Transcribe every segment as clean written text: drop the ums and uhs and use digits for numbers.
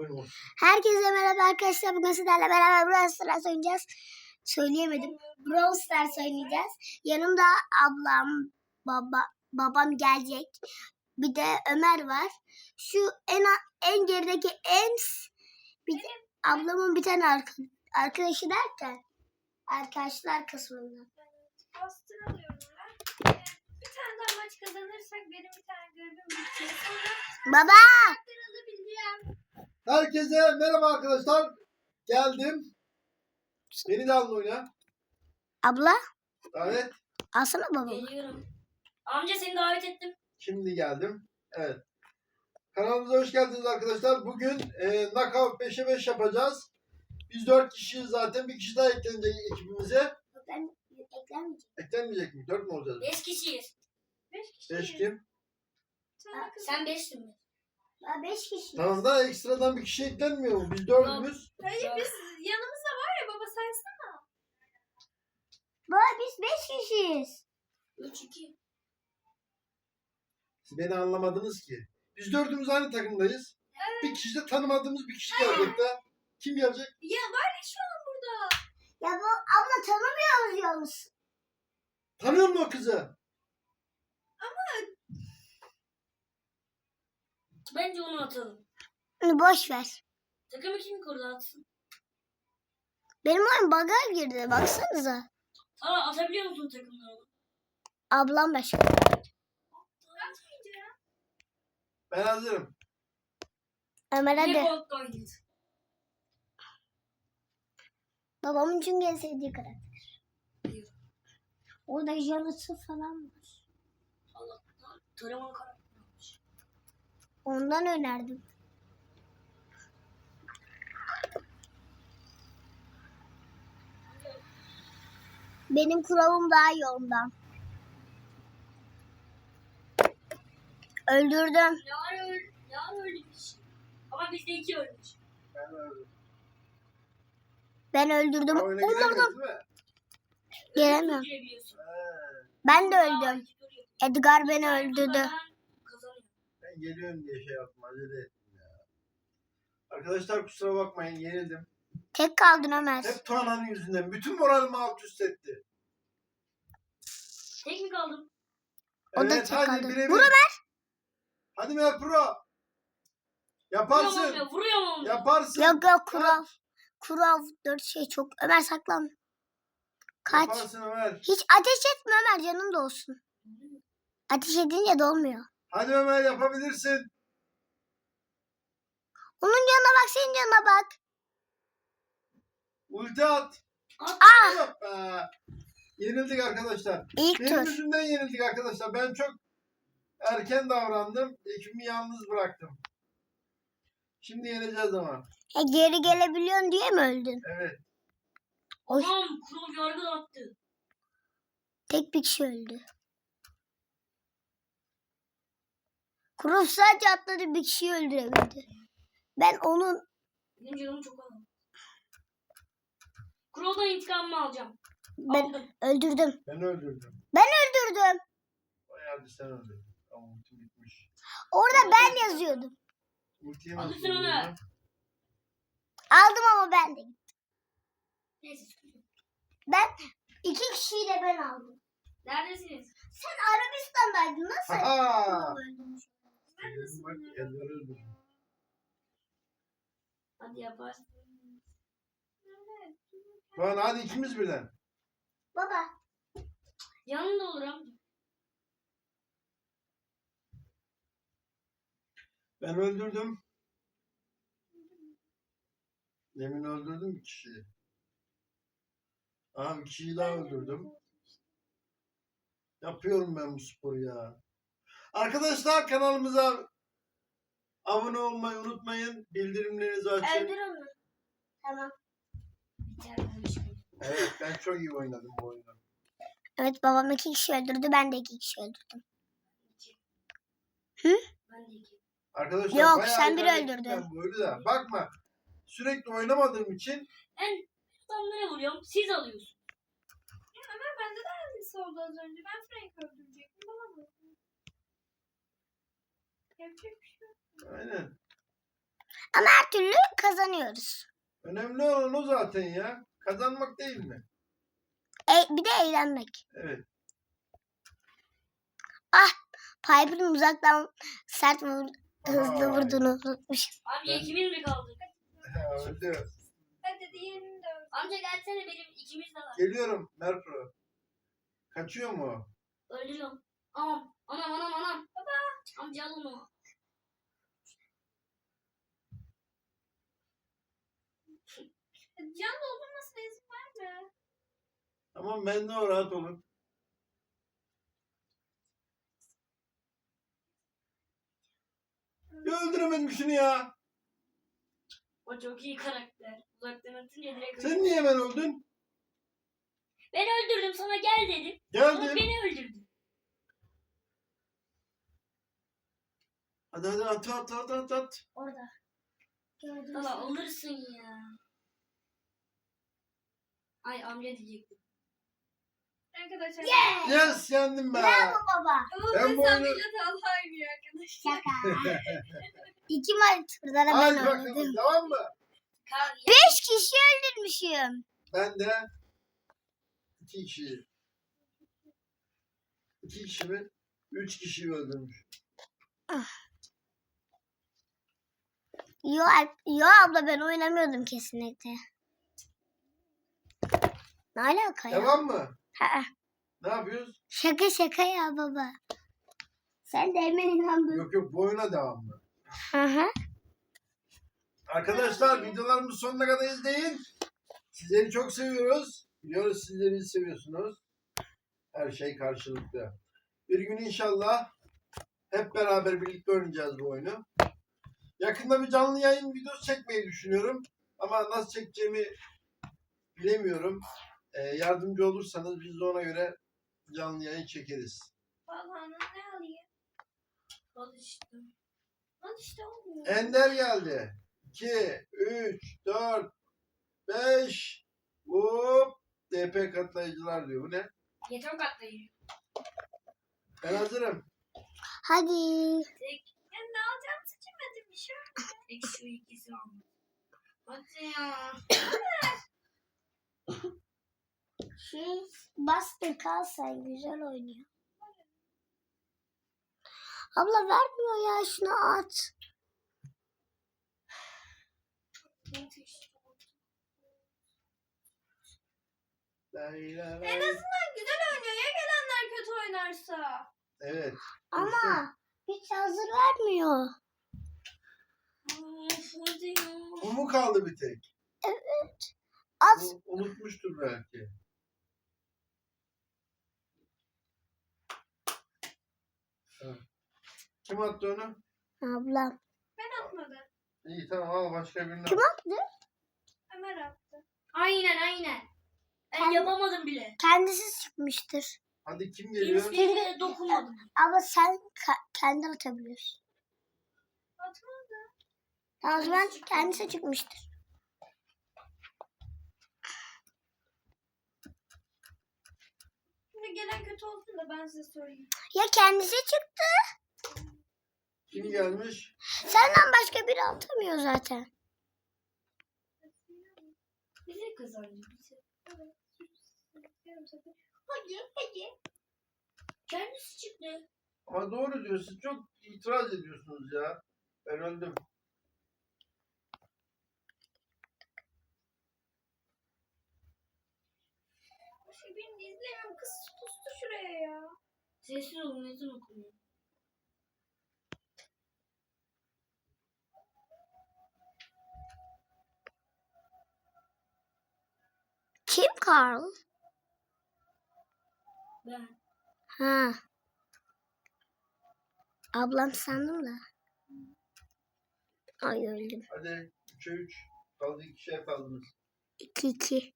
Herkese merhaba arkadaşlar. Bugün sizlerle beraber Brawl Stars oynayacağız. Söyleyemedim. Brawl Stars oynayacağız. Yanımda ablam, babam gelecek. Bir de Ömer var. Şu en gerideki bir de ablamın bir tane arkadaşı derken arkadaşlar kısmında. Poster alıyorum ben. Bir tane daha maç kazanırsak benim bir tane görevim bitecek. Sonra Baba! alabileceğim. Herkese merhaba arkadaşlar. Geldim. Beni de alın oyuna. Abla? Evet. Alsana babamı. Geliyorum. Amca seni davet ettim. Şimdi geldim. Evet. Kanalımıza hoş geldiniz arkadaşlar. Bugün knockout 5'e 5 yapacağız. Biz 4 kişiyiz zaten. Bir kişi daha eklenecek ekibimize. Ben eklenmeyeceğim. Eklenmeyecek mi? 4 mü olacağız? 5 kişiyiz. 5 kişiyiz. 5 kim? Sen 5'tin mi? Ben 5 kişiyim. Tamam da ekstradan bir kişi eklenmiyor mu? Biz 4'ümüz. Hayır biz yanımızda var ya baba saysana. Baba biz 5 kişiyiz. 3-2. Siz beni anlamadınız ki. Biz 4'ümüz aynı takımdayız. Bir kişi de tanımadığımız bir kişi gelecek de. Kim gelecek? Ya var ya şu an burada. Ya bu abla tanımıyoruz yalnız. Tanıyor musun o kızı? Bence onu atalım. Boş ver. Takımı kim kurdu atsın? Benim oyun bug'a girdi. Baksanıza. Tamam atabiliyor musun takımları? Ablam başka. Atmayınca ya. Ben hazırım. Ömer Yine hadi. Gold oynayacağız. Babamın çünkü en sevdiği karakter. Orada Janus'u falan var. Allah Allah. Tarama karakteri olmuş. Ondan önerdim. Benim kuralım daha iyi ondan. Öldürdüm. Yar öldü bir şey. Ama bizde 2 ölmüş. Ben öldüm. Ben öldürdüm. Oyuna giremiyoruz Öldürdüm. değil mi? Giremiyorum. Girebiliyorsun. Ben de öldüm. Edgar beni öldürdü. Kazanıyor. Ben geliyorum diye şey yaptım. Acele ettim ya. Arkadaşlar kusura bakmayın. Yenildim. Tek kaldın Ömer. Hep Tuana'nın yüzünden. Bütün moralimi alt üst etti. Tek mi kaldım? O da Evet tek hadi kaldı. birebir. Vur Ömer. Hadi Mer Pro. Yaparsın. Vuruyor mu? Yaparsın. Yok kural. Kural 4 şey çok. Ömer saklan. Kaç. Yaparsın Ömer. Hiç ateş etme Ömer canım da olsun. Ateş edince de olmuyor. Hadi Ömer yapabilirsin. Onun canına bak senin canına bak. Ulti at. Ah Yok be. Yenildik arkadaşlar. ilk Benim tur. yüzümden yenildik arkadaşlar. Ben çok erken davrandım. Ekibimi yalnız bıraktım. Şimdi yeneceğiz ama. Geri gelebiliyorsun diye mi öldün? Evet. Oy. Tamam kral yargı attı. Tek bir kişi öldü. Kurup sadece atladı bir kişiyi öldürebildi. Ben onun Benim canım çok alın. Kral'dan intikamımı alacağım. ben Aldım. öldürdüm. Ben öldürdüm. Ben öldürdüm. Bayağı sen öldürdün. Tamam ultim bitmiş. Orada ben yazıyordum. Ultiyi Hadi nasıl sen onu. öldürdün? Aldım ama ben de. Neyse çıkıyorum. Ben 2 kişiyi de ben aldım. Neredesiniz? Sen Arabistan'daydın nasıl? Aha! Öldürmüş. Ben nasıl Bak bunu- elleri öldürdüm. Hadi yaparsın. Tuana hadi ikimiz birden. Baba Yanında olur amca. Ben öldürdüm. Demin öldürdüm bir kişiyi. Aha bir kişiyi daha öldürdüm. Yapıyorum ben bu sporu ya. Arkadaşlar kanalımıza abone olmayı unutmayın. Bildirimlerinizi açın. öldür onu. Tamam. Biter bu iş. Evet ben çok iyi oynadım bu oyunu. Evet babam 2 kişi öldürdü. Ben de 2 kişi öldürdüm. Ben de iki. Arkadaşlar Yok, bayağı sen biri ilerledim öldürdün. ben bu oyunu da. Bakma sürekli oynamadığım için Ben adamlara vuruyorum. Siz alıyorsunuz. Bende de aynısı oldu az önce. Ben Frank öldürecektim. Bulamadım. Yapacak bir şey yok. aynen. Ama her türlü kazanıyoruz. Önemli olan o zaten ya. Kazanmak değil mi? Bir de eğlenmek. Evet. Piper'ın uzaktan sert hızlı Ay. vurduğunu unutmuşum. Amca Ben- ikimiz mi kaldık? Öldü. Hadi diğerini de öldür. Amca gelsene benim ikimiz de var. Geliyorum Merpro. Kaçıyor mu o? Öldürüyorum. Anam. Baba. Amca al onu. Can doldurmasına izin verme. Tamam ben de o, rahat olun. Ya öldüremedim şunu ya. O çok iyi karakter. Uzaktan atınca direkt Sen öldü. niye hemen öldün? Ben öldürdüm sana gel dedim. Sonra Geldim. beni öldürdün. Hadi at. Orada. Gördüm. Baba alırsın ya. Ay amca diyecektim. Arkadaşlar. Yeah! Yes yendim ben. Bravo baba. Ama Ben bu sen oyunu- bile Talha oynuyor arkadaşlar. Şaka. 2 maç turlara Hadi ben bakalım oynadım. tamam mı? 5 kişi öldürmüşüm. Ben de 2 kişi. 2 kişi mi? 3 kişiyi öldürmüş. Yo abla ben oynamıyordum kesinlikle. Ne alaka ya? Tamam mı? Ha, Ne yapıyoruz? şaka ya baba. Sen de hemen inandın. Yok bu oyuna devamlı. Hı hı. Arkadaşlar videolarımızı sonuna kadar izleyin. Sizleri çok seviyoruz. Biliyoruz sizleri bizi seviyorsunuz. Her şey karşılıklı. Bir gün inşallah hep beraber birlikte oynayacağız bu oyunu. Yakında bir canlı yayın videosu çekmeyi düşünüyorum. Ama nasıl çekeceğimi bilemiyorum. Yardımcı olursanız biz de ona göre canlı yayın çekeriz. Talha'nın ne alayım? Al işte. Al işte olmuyor. Ender geldi. 2, 3, 4, 5. Hop. DP katlayıcılar diyor. Bu ne? Yeter katlayı. Ben hazırım. Hadi. Ya ne alacağım seçemedim bir şey. Eksi şu ikisi almış. Hadi ya. Buster kalsa güzel oynuyor. Abla vermiyor ya şunu at. En azından güzel oynuyor ya gelenler kötü oynarsa. Evet. Ama hiç hazır vermiyor. Hadi ya. Bu mu kaldı bir tek? At. Unutmuştur belki. Ha. Kim attı onu? Ablam. Ben atmadım. İyi tamam al başka birini. Kim attı? Ömer attı. Aynen. Ben Kendi- yapamadım bile. Kendisi çıkmıştır. Hadi kim geliyor? Hiçbir bile dokunmadım. Ama sen kendi atabiliyorsun. Atmadı. O zaman kendisi çıkmıştır. Şimdi gelen kötü olsun da ben size söyleyeyim. Ya kendisi çıktı. Kim gelmiş? Senden başka biri atamıyor zaten. Bize kazandı. Bize. Hadi. Kendisi çıktı. Ama doğru diyorsun. Çok itiraz ediyorsunuz ya. Ben öldüm. Şey benim izlemiyorum. Kız sustu şuraya ya. Sessiz olun ezan okunuyor. Kim Carl? Ben. Ha. Ablam sandım da. Ay öldüm. Hadi 3'e 3. Kaldı 2'şer kaldınız. 2-2.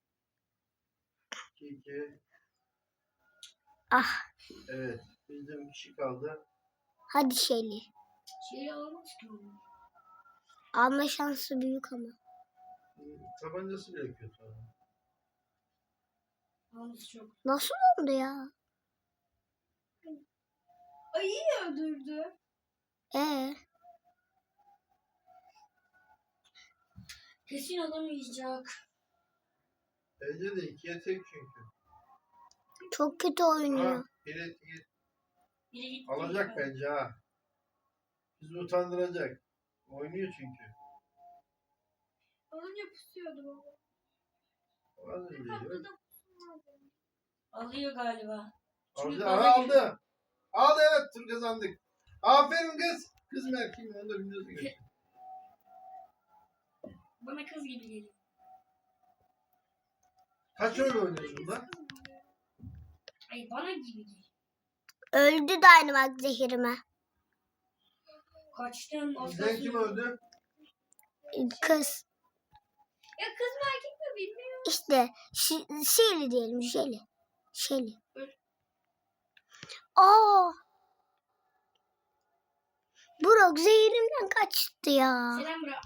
2-2. Ah. Evet. Bizde bir kişi kaldı. Hadi Şeli. Şeyi almış ki onu. Alma şansı büyük ama. Tabancası bile kötü. Almış çok. Nasıl oldu ya? Ayıyı öldürdü. Kesin alamayacak. Bence de 2'ye tek çünkü. Çok kötü Ha, oynuyor. biri Biri gitti. alacak bence ha. Bizi utandıracak. Oynuyor çünkü. Alınca pusuyordu baba. Az önce Tatlıda diyor. pusum vardı. Alıyor galiba. Çünkü Aldı. gaza Aha, geliyor. aldı. Aldı, evet, tur kazandık. Aferin kız. Kız mı erkek mi onu da bilmiyorsun. gerçi. Bana kız gibi geliyor. Kaç oyun oynuyorsun lan? Ay bana gibi geliyor. Öldü Dynamite zehirime. Kaçtım. Az Bizden kim kalsın. öldü? Kız. Ya kız mı erkek mi bilmiyorum. İşte Shelly diyelim. Shelly. Shelly. Öl. Aa. Brock zehirimden kaçtı ya. Selam bırak.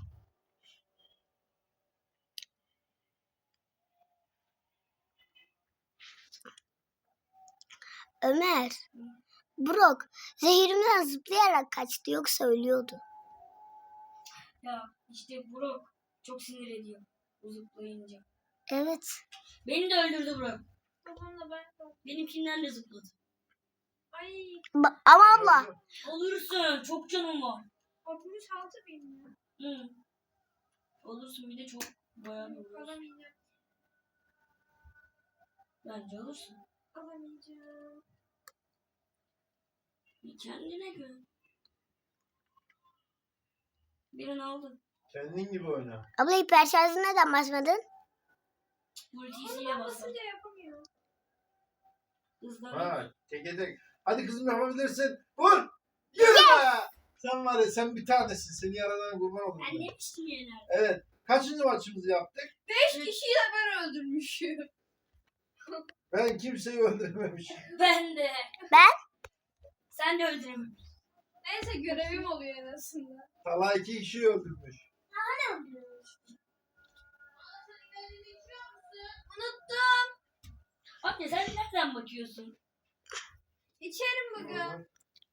Ömer. Brock zehirimden zıplayarak kaçtı yoksa ölüyordu. Ya işte Brock çok sinir ediyor. O zıplayınca. Evet. Beni de öldürdü Brock. Babamla ben de. Benimkinden de zıpladı. Ay Ama abla. Olursun. Çok canım var. 66 bin mi? Hı. Olursun bir de çok bayağı bir olursun. Alamayacağım. Bence olursun. Alamayacağım. Bir kendine güven. Birini aldın. Kendin gibi oyna. Abla hiper şarjı neden basmadın? Ultisiyle bastın. Basınca yapamıyor. Hızlan. Ha, teke tek. Hadi kızım, yapabilirsin. Vur. Yürü be. Sen var ya, sen bir tanesin. Seni yaradan kurban oldum. Ben ben. demiştim ya nerede? Evet. Kaçıncı maçımızı yaptık? 5 kişiyi de ben öldürmüşüm. Ben kimseyi öldürmemişim. Ben de. Ben? Sen de öldürememişsin. Neyse görevim oluyor en azından. Talha 2 kişiyi öldürmüş. Unuttum. Abi sen nereden bakıyorsun? İçerim bugün. Hı.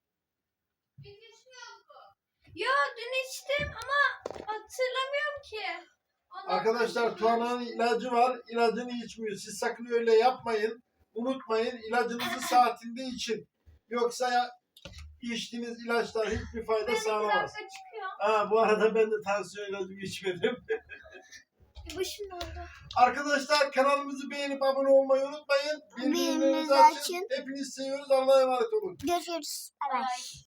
Ya dün içtim ama hatırlamıyorum ki. Ondan Arkadaşlar, sonra- Tuana'nın ilacı var. İlacını içmiyor. Siz sakın öyle yapmayın. Unutmayın, ilacınızı saatinde için. Yoksa içtiğiniz ilaçlar hiçbir fayda Ben 2 sağlamaz. dakika çıkıyor. Ha, bu arada ben de tansiyon ilacımı içmedim. Başım oldu. Arkadaşlar, kanalımızı beğenip abone olmayı unutmayın. Bildirimlerinizi Bildirimlerinizi açın. açın. Hepinizi seviyoruz. Allah'a emanet olun. Görüşürüz. Bay bay. Bye.